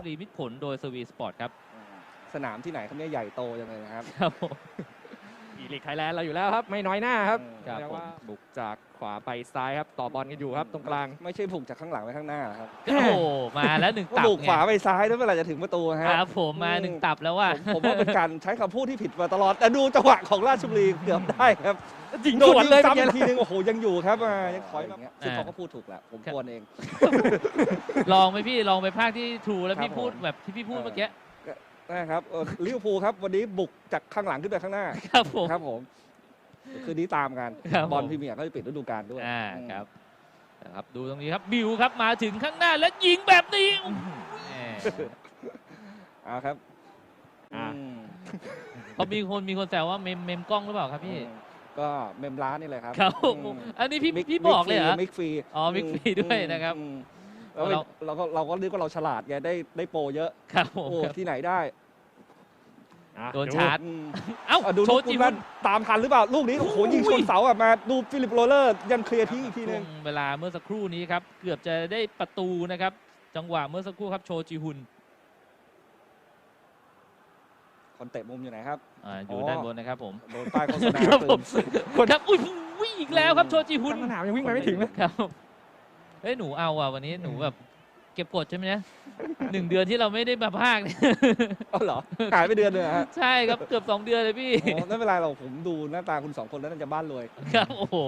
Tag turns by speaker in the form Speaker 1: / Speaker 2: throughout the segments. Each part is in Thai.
Speaker 1: บุรีมิตรผลโดยสวีสปอร์ตครับ
Speaker 2: สนามที่ไหนเขาเนี่ยใหญ่โตจังเลยนะครับ
Speaker 1: ครับ
Speaker 3: อีลิกไทยแลนด์เราอยู่แล้วครับไม่น้อยหน้าครับ
Speaker 1: ครับ
Speaker 3: เรียกว่าบุกจากขวาไปซ้ายครับต่อบอลกันอยู่ครับตรงกลาง
Speaker 2: ไม่ใช่บุกจากข้างหลังไปข้างหน้าครับ
Speaker 1: โอ้โหมาแล้วหนึ่งตับ
Speaker 2: บุกขวาไปซ้ายแล้วเมื่อไหร่จะถึงประตูฮะ
Speaker 1: ครับผมมาหนึ่งตับแล้วว่า
Speaker 2: ผมว่าเป็นการใช้คำพูดที่ผิดมาตลอดแต่ดูจังหวะของราชบุรีเกือบได้ครับ
Speaker 3: ยิง
Speaker 2: โด
Speaker 3: ส
Speaker 2: น
Speaker 3: วน
Speaker 2: ยิง
Speaker 3: เลย
Speaker 2: ซ้ำอีกทีนึงโอ้โหยังอยู่ครับยังถอยมาซึ่งเขาก็พูดถูกแหละผมควรเอง
Speaker 1: ลองไหมพี่ลองไปภาคที่ทรูแล้วพี่พูดแบบที่พี่พูดเมื่อกี้
Speaker 2: นะครับลิเวอร์พูลครับวันนี้บุกจากข้างหลังขึ้นไปข้างหน้า
Speaker 1: ครับผม
Speaker 2: คืนนี้ตามกันบอลพรีเมียร์ก็จะปิดฤดูกาลด้วย
Speaker 1: ครับนะครับดูตรงนี้ครับบิวครับมาถึงข้างหน้าแล้วยิงแบบนี้
Speaker 2: ครับ
Speaker 1: เขามีคนแซวว่าเมมกล้องหรือเปล่าครับพี่
Speaker 2: ก็เมมร้านนี่เลยครับ
Speaker 1: ครับอันนี้พี่บอกเลยเหรอ
Speaker 2: มิกฟรี
Speaker 1: มิกฟรีด้วยนะครับ
Speaker 2: เราก็นึกว่าเราฉลาดไงได้โปรเยอะ
Speaker 1: ครับ
Speaker 2: โอ้ที่ไหนได้
Speaker 1: โดนชาร์จ
Speaker 2: ดูโชจิวันตามทันหรือเปล่าลูกนี้โอ้โหยิงชนเสามาดูฟิลิปโรเลอร์ยังเคลียร์ทิ้งอีกทีนึง
Speaker 1: เวลาเมื่อสักครู่นี้ครับเกือบจะได้ประตูนะครับจังหวะเมื่อสักครู่ครับโชจิฮุน
Speaker 2: คนเตะมุมอยู่ไหนครับ
Speaker 1: อยู่ด้านบนนะครับผม
Speaker 2: โดนป้ายโฆษณา
Speaker 1: คนครับอุ้ยอีกแล้วครับโชจิฮุน
Speaker 3: สนามยังวิ่งไปไม่ถึงเลย
Speaker 1: ครับเฮ้ยหนูเอาวันนี้หนูแบบเก็บกดใช่ไหมเนี่ย1 เดือนที่เราไม่ได้มาภาคเนี่ย
Speaker 2: เหรอหายไปเดือนนึงฮะ
Speaker 1: ใช่ครับเกือบ2 เดือนเลยพี่
Speaker 2: ไม่เป็นไรเราผมดูหน้าตาคุณ2 คนแล้วน่าจะบ้านรวย
Speaker 1: ครับโอ้โห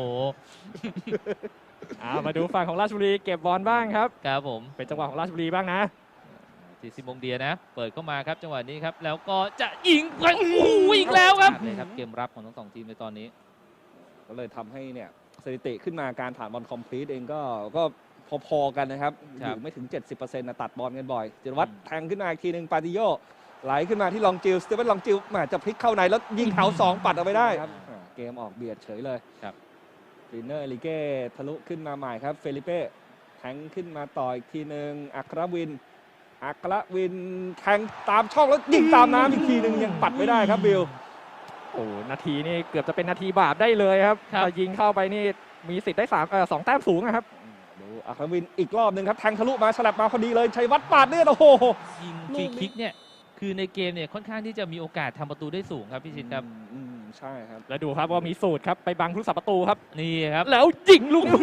Speaker 3: มาดูฝั่งของราชบุรีเก็บบอลบ้างครับ
Speaker 1: ครับผม
Speaker 3: เป็นจังหวะของราชบุรีบ้างนะ
Speaker 1: ซิมงเดียนะเปิดเข้ามาครับจังหวะนี้ครับแล้วก็จะยิงไปอีกแล้วครับเลยครับเกมรับของทั้ง2 ทีมในตอนนี้
Speaker 2: ก็เลยทำให้เนี่ยสถิติขึ้นมาการผ่านบอลคอมพลีทเองก็พอๆกันนะครับอยู่ไม่ถึง 70% นะตัดบอลกันบ่อยจิรวัตรแทงขึ้นมาอีกทีนึงปาติโยไหลขึ้นมาที่ลองจิลสเตเฟนลองจิลมาจะพลิกเข้าในแล้วยิงเท้า2ปัดเอาไปได้ครับเกมออกเบียดเฉยเลย
Speaker 1: ครับ
Speaker 2: ฟินเนอร์เอลิเก้ทะลุขึ้นมาใหม่ครับเฟลิเป้แทงขึ้นมาต่ออีกทีนึงอัครวินแทงตามช่องแล้วยิงตามน้ำอีกทีนึงยังปัดไม่ได้ครับบิล
Speaker 3: โอ้นาทีนี่เกือบจะเป็นนาทีบาปได้เลยครับถ้ายิงเข้าไปนี่มีสิทธิ์ได้2 แต้มสูงนะครับ
Speaker 2: ดูอัครวินอีกรอบหนึ่งครับแทงทะลุมาฉลับมาพอดีเลยชัยวัฒน์ปาดเนี่ยโอ้โห
Speaker 1: ยิงฟรีคิกเนี่ยคือในเกมเนี่ยค่อนข้างที่จะมีโอกาสทำประตูได้สูงครับพี่ชินครับ
Speaker 2: ใช่ครับ
Speaker 3: แล้วดูครับว่ามีสูตรครับไปบังผู้รักษาประตูครับ
Speaker 1: นี่ครับ
Speaker 3: แล้วยิงลูก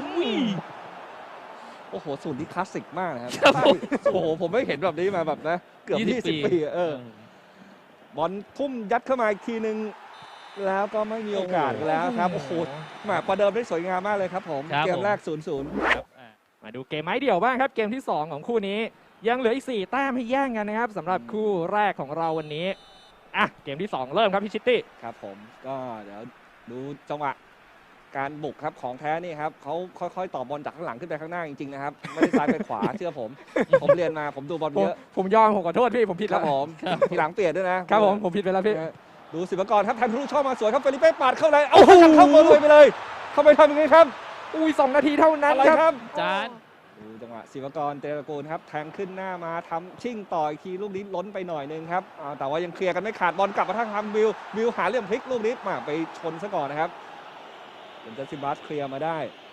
Speaker 2: โอ้โหสูตรนี้คลาสสิกมากนะครับโอ้โหผมไม่เห็นแบบนี้มาแบบนะเกือบ20 ปีบอลทุ่มยัดเข้ามาอีกทีนึงแล้วก็ไม่มีโอกาสแล้วครับโอ้โหมาประเดิมได้สวยงามมากเลยครับผมเกมแรก 0-0
Speaker 3: มาดูเกมไม้เดี่ยวบ้างครับเกมที่2ของคู่นี้ยังเหลืออีก4 แต้มให้แย่งกันนะครับสำหรับคู่แรกของเราวันนี้เกมที่2เริ่มครับพี่ชิตตี้
Speaker 2: ครับผมก็เดี๋ยวดูจังหวะการบุกครับของแท้นี่ครับเขาค่อยๆต่อบอลจากข้างหลังขึ้นไปข้างหน้าจริงๆนะครับไม่ได้ซ้ายไปขวาเชื่อผมเรียนมาผมดูบอลเยอะ
Speaker 3: ผมยอมผมขอโทษพี่ผมผิดแล้ว
Speaker 2: ผมทีหลังเปลี่ยนด้วยนะครับ
Speaker 3: ผมผิดไปแล้วพี่
Speaker 2: ดูศิวกรครับแทงทะลุช่องมาสวยครับเฟลิเป้ปาดเข้าในเอาเข้ามาเลยไปเลยเข้าไปทำยังไงครับ
Speaker 3: 2 นาทีเท่านั้นครับ
Speaker 1: จาน
Speaker 2: ดูจังหวะศิวกรเตระกูลครับแทงขึ้นหน้ามาทำชิ่งต่ออีกทีลูกนี้ล้นไปหน่อยนึงครับแต่ว่ายังเคลียร์กันไม่ขาดบอลกลับมาทางวิวหาเหลี่ยมพลิกลูกนี้มาไปชนซะก่อนนะครับเป็นจัสตินบัสเคลียร์มาได้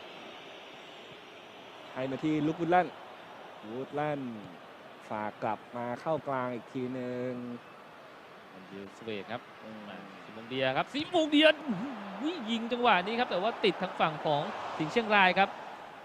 Speaker 2: ให้มาที่ลูกวูดแลนด์ฝากกลับมาเข้ากลางอีกทีนึง
Speaker 1: ดิวสเวกครับซิมงเดียครับซิมงเดียยิงจังหวะนี้ครับแต่ว่าติดทางฝั่งของสิงห์เชียงรายครับ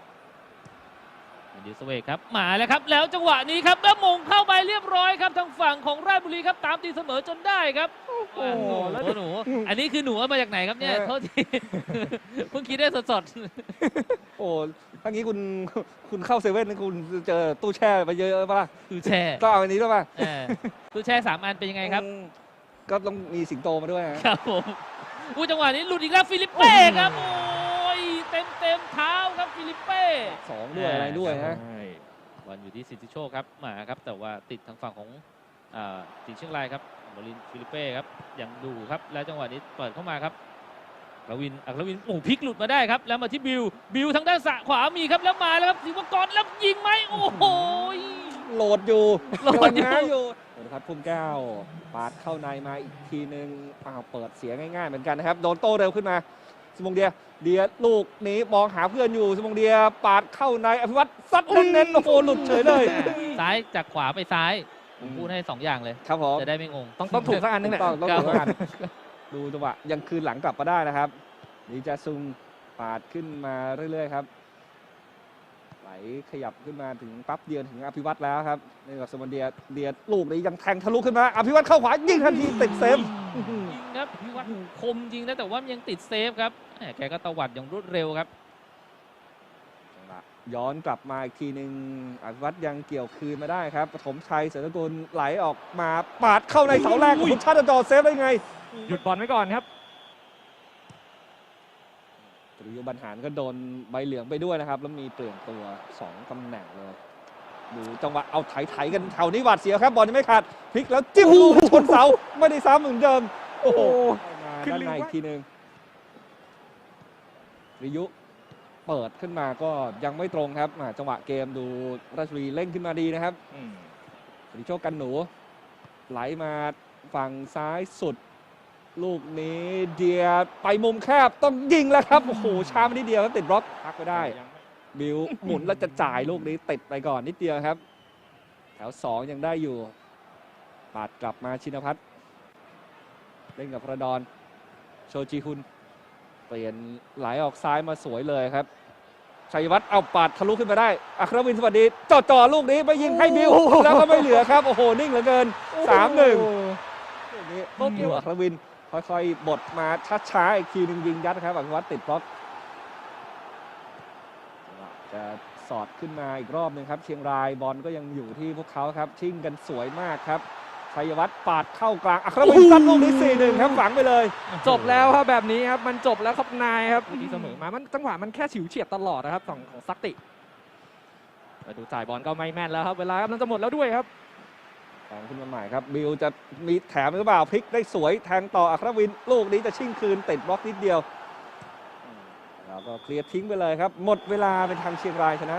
Speaker 1: ดิวสเวกครับมาแล้วครับแล้วจังหวะนี้ครับแล้วมงเข้าไปเรียบร้อยครับทางฝั่งของราชบุรีครับตามตีเสมอจนได้ครับโอ้โหแล้วหนูอันนี้คือหนูเอามาจากไหนครับเนี่ยโทษทีเพิ่งคิดได้สด
Speaker 2: ๆโอ้ทั้งนี้คุณเข้าเซเว่นคุณเจอตู้แช่ไปเยอะป่ะ
Speaker 1: ตู้แช่
Speaker 2: ก็เอาอันนี้ด้วยป่ะ
Speaker 1: ตู้แช่3 อันเป็นยังไงครับ
Speaker 2: ก็ต้องมีสิงโตมาด้วย
Speaker 1: ครับผมจังหวะนี้หลุดอีกแล้วฟิลิปเป้ครับโอ้ยเต็มเท้าครับฟิลิปเป้
Speaker 2: 2ด้วยอะไรด้วยฮะ
Speaker 1: บอลอยู่ที่สิทธิโชคครับมาครับแต่ว่าติดทางฝั่งของสิงห์เชียงรายครับบอลินฟิลิปเป้ครับยังดูครับแล้วจังหวะนี้เปิดเข้ามาครับอัครวินโอ้พลิกหลุดมาได้ครับแล้วมาที่บิวทางด้านขวามีครับแล้วมาแล้วครับศิวกรแล้วยิงไหมโอ้โห
Speaker 2: โหลดอยู่ครับพุ่มแก้วปาดเข้าในมาอีกทีนึงเปิดเสียง่ายๆเหมือนกันนะครับโดนโต้เร็วขึ้นมาศิมงเดียลูกนี้มองหาเพื่อนอยู่สมงเดียปาดเข้าในอภิวัตรซัดเน้นๆโอ้โหหลุดเฉยเลย
Speaker 1: ซ้ายจากขวาไปซ้ายผมพูดให้2 อย่างเลย
Speaker 2: ครับผม
Speaker 1: จะได้ไม่งง
Speaker 3: ต้องถูกสักอันนึงแหละ
Speaker 2: ต้อง
Speaker 1: ครับ
Speaker 2: ดูกันดูจังหวะยังคืนหลังกลับมาได้นะครับดีจาซุงปาดขึ้นมาเรื่อยๆครับไหลขยับขึ้นมาถึงปั๊บเดียวถึงอภิวัตรแล้วครับในกับสมงเดียลูกนี้ยังแทงทะลุขึ้นมาอภิวัตรเข้าขวายิงทันทีติดเซฟ
Speaker 1: จริงครับพี่วัดคมจริงนะแต่ว่ามันยังติดเซฟครับแหมแกก็ตวัดอย่างรวดเร็วครับ
Speaker 2: ย้อนกลับมาอีกทีหนึ่งอภิวัตรยังเกี่ยวคืนมาได้ครับปฐมชัยเสรกุลไหลออกมาปาดเข้าในเสาแรกคุณชาติจอเซฟได้ไง
Speaker 3: หยุดบอลไว้ก่อนครับ
Speaker 2: ตริโยบรรหารก็โดนใบเหลืองไปด้วยนะครับ แล้วมีเปลี่ยนตัว2ตำแหน่งเลยดูจังหวะเอาไถกันแถวนี้หวาดเสียวครับบอลยังไม่ขาดพลิกแล้วจิ้มลูกชนเสาไม่ได้ซ้ำเหมือนเดิมโอ้โหมา
Speaker 3: ขึ้น
Speaker 2: ด้าน
Speaker 3: ลืม
Speaker 2: ในอี
Speaker 3: ว่า
Speaker 2: กทีหนึ่งริยุเปิดขึ้นมาก็ยังไม่ตรงครับจังหวะเกมดูราชบุรีเร่งขึ้นมาดีนะครับสิริโชคกันหนูไหลมาฝั่งซ้ายสุด ลูกนี้เดียไปมุมแคบต้องยิงแล้วครับโอ้โหช้าไปนิดเดียวครับติดบล็อกพักไปได้ บิวหมุนแล้วจะจ่ายลูกนี้ติดไปก่อนนิดเดียวครับ แถว2ยังได้อยู่ปาดกลับมาชินพัฒน์เล่นกับพระดอนโชจิฮุนเปลี่ยนไหลออกซ้ายมาสวยเลยครับชัยวัฒน์เอาปาดทะลุขึ้นมาได้อัครวินสวัสดีจ่อลูกนี้ไปยิงให้บิวแล้วก็ไม่เหลือครับโอ้โหนิ่งเหลือเกิน 3-1ลูกนี้บิวอัครวินค่อยๆบดมาช้าๆอีกทีหนึงยิงยัดครับอัครวัฒน์ติดบล็อกจะสอดขึ้นมาอีกรอบหนึ่งครับเชียงรายบอลก็ยังอยู่ที่พวกเขาครับชิ่งกันสวยมากครับชัยวัฒน์ปาดเข้ากลางอัครวินซัดลูกนี้ 4-1 ครับฝังไปเลย
Speaker 3: จบแล้วครับแบบนี้ครับมันจบแล้วครับนายครับที่เสมอมามันจังหวะมันแค่ฉิวเฉียดตลอดนะครับของซักติมาดูจ่ายบอลก็ไม่แม่นแล้วครับเวลากำลังจะหมดแล้วด้วยครับ
Speaker 2: ตามขึ้นมาใหม่ครับบิวจะมีแถมหรือเปล่าพลิกได้สวยแทงต่ออัครวินลูกนี้จะชิ่งคืนติดบล็อกนิดเดียวแล้วก็เคลียร์ทิ้งไปเลยครับหมดเวลาเป็นทางเชียงรายชนะ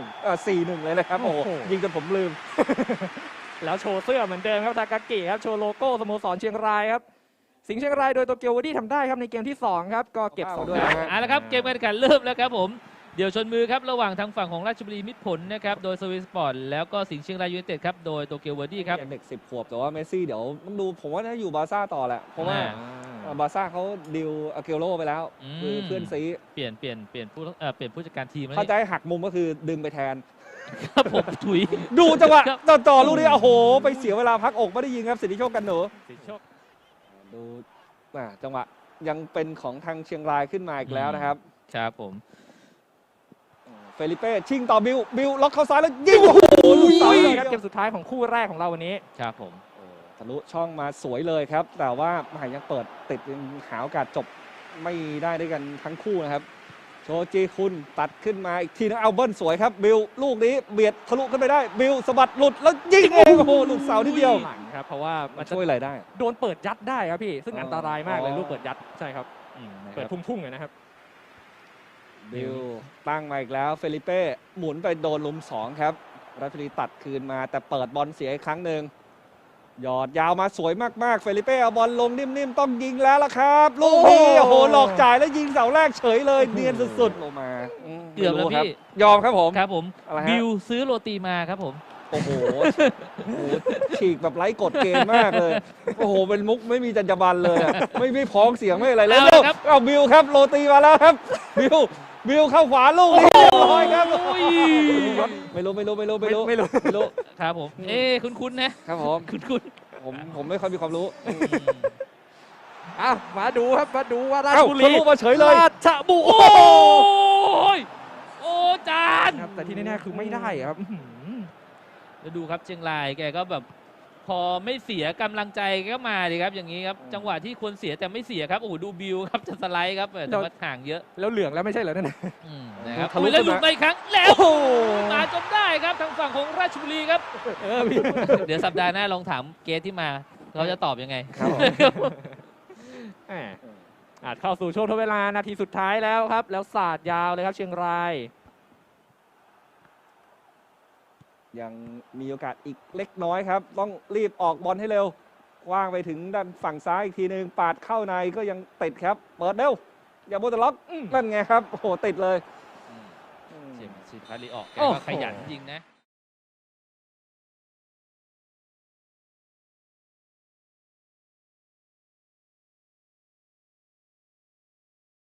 Speaker 2: 4-1 เลยนะครับโอ้โหยิงจนผมลืม
Speaker 3: แล้วโชว์เสื้อเหมือนเดิมครับทากากิครับโชว์โลโก้สโมสรเชียงรายครับสิงห์เชียงรายโดยโตเกียววอดี้ทำได้ครับในเกมที่2ครับก็เก็บ
Speaker 2: ว้าว
Speaker 3: 2 ด้วย
Speaker 2: นะฮะ
Speaker 1: เอาละครับเกมการแข่งขันเริ่มแล้วครับผมเดี๋ยวชนมือครับระหว่างทางฝั่งของราชบุรีมิตรผลนะครับโดยสวิสปอร์ตแล้วก็สิงห์เชียงรายยูไนเต็ดครับโดยโตเกียวเวอร์ดี้ครับ
Speaker 2: ยังเด็ก10 ขวบแต่ว่าเมสซี่เดี๋ยวต้องดูผมว่าน่าจะอยู่บาร์ซ่าต่อแหละเพราะว่า บาร์ซ่าเขาดิวอาเกโรไปแล้วคือเพื่อนซี
Speaker 1: เปลี่ยนผู้จัดการทีมแล้ว
Speaker 2: ถ้า
Speaker 1: นี่
Speaker 2: จะให้หักมุมก็คือดึงไปแทน
Speaker 1: ครับผมถุย
Speaker 2: ดูจังหวะ
Speaker 1: ครับ
Speaker 2: จ่อลูกนี้โอ้โห ไปเสียเวลาพักอกไม่ได้ยิงครับสิทธิโชคกันหนู
Speaker 3: สิโชค
Speaker 2: ดูจังหวะยังเป็นของทางเชียงรายขึ้นมาอีกแล้วนะครับ
Speaker 1: ครับผม
Speaker 2: เฟลิเป้ชิงต่อบิวล็อกเข้าซ้ายแล้วยิงโอ้โหลูกเสา
Speaker 3: นี่
Speaker 2: เลย
Speaker 3: ค
Speaker 2: ค
Speaker 3: รั
Speaker 2: รั
Speaker 3: บบ เกมสุดท้ายของคู่แรกของเราวันนี้
Speaker 1: ครับผม
Speaker 2: ทะลุช่องมาสวยเลยครับ แต่ว่าหมายยังเปิดติดยังหาโอกาสจบไม่ได้ด้วยกันทั้งคู่นะครับโชจีคุณตัดขึ้นมาอีกทีนึงเอาเบิ้ลสวยครับบิวลูกนี้เบียดทะลุขึ้นไปได้บิวสะบัดหลุดแล้วยิงเองโอ้โหหลุดเสาทีเดียว
Speaker 3: หลังครับเพราะว่ามันจะ
Speaker 2: ช่วยอะไรได้
Speaker 3: โดนเปิดยัดได้ครับพี่ซึ่งอันตรายมากเลยลูกเปิดยัดใช่ครับ
Speaker 1: นะค
Speaker 3: เปิด
Speaker 1: รับ
Speaker 3: พุ่งๆเลยนะครับ
Speaker 2: บิวตั้งมาอีกแล้วเฟลิเป้หมุนไปโดนลุม2ครับราชบุรีตัดคืนมาแต่เปิดบอลเสียอีกครั้งหนึ่งหยอดยาวมาสวยมากๆเฟลิเป้เอาบอลลงนิ่มๆต้องยิงแล้วล่ะครับลูกนี้โอ้โหหลอกจ่ายแล้วยิงเสาแรกเฉยเลยเนียนสุดๆลงมา
Speaker 1: เกือบแล้ว
Speaker 2: ไม่รู้ครับ
Speaker 1: พี่
Speaker 2: ยอมครับผม
Speaker 1: ครับผม
Speaker 2: อะไรฮะ
Speaker 1: บิวซื้อโรตีมาครับผม
Speaker 2: โอ้โหฉีกแบบไร้กฎเกณฑ์มากเลยโอ้โหเป็นมุกไม่มีจรรยาบรรณเลยอะไม่พ้องเสียงไม่อะไรเลย
Speaker 1: เอาละครับ
Speaker 2: เอาบิวครับโรตีมาแล้วครับบิวเข้าขวาลูกนี้เรียบร้อยครับ
Speaker 1: โอ้ย
Speaker 2: ไม่รู้
Speaker 3: ไม่รู้
Speaker 1: ครับผมคุ้นๆนะครับ
Speaker 2: ผม
Speaker 1: คุ้น
Speaker 2: ผมไม่ค่อยมีความรู้
Speaker 3: อ่ะมาดูครับมาดูว่าราช
Speaker 2: เอ้า
Speaker 3: บุ
Speaker 2: ทะ
Speaker 3: รี
Speaker 2: ลุมาเฉยเลย
Speaker 3: ราชบุรี
Speaker 1: โอ้ยโอ้จาน
Speaker 3: ครับแต่ที่แน่ๆคือไม่ได้ครับ
Speaker 1: แล้วดูครับเชียงรายแกก็แบบพอไม่เสียกำลังใจก็มาดีครับอย่างนี้ครับจังหวะที่ควรเสียแต่ไม่เสียครับโอ้โหดูบิวครับจะสไลด์ครับแต่ว่าห่างเยอะ
Speaker 3: แล้วเหลืองแล้วไม่ใช่เหรอนั่นน่ะ
Speaker 1: นะครับ
Speaker 2: ทะลุ
Speaker 1: แล้วหลุด
Speaker 2: ขึ้นมา
Speaker 1: ไปอีกครั้งแล้ว
Speaker 2: โอ้โห
Speaker 1: มาจนได้ครับทางฝั่งของราชบุรีครับ
Speaker 3: พี่
Speaker 1: เดี๋ยวสัปดาห์หน้าลองถามเกสที่มาเขาจะตอบยังไง
Speaker 2: ครับผม
Speaker 3: แหมอาจเข้าสู่ช่วงทดเวลานาทีสุดท้ายแล้วครับ แล้วสาดยาวเลยครับเชียงราย
Speaker 2: ยังมีโอกาสอีกเล็กน้อยครับ ต้องรีบออกบอลให้เร็วกว้างไปถึงด้านฝั่งซ้ายอีกทีนึงปาดเข้าในก็ยังติดครับ เปิดเร็วอย่าโบตล็อกนั่นไงครับโอ้โหติดเลย
Speaker 1: เสียงสิทธิ์พัทลีออกแก
Speaker 3: โอ้
Speaker 1: ก็
Speaker 3: โห
Speaker 1: ขยันจริงนะ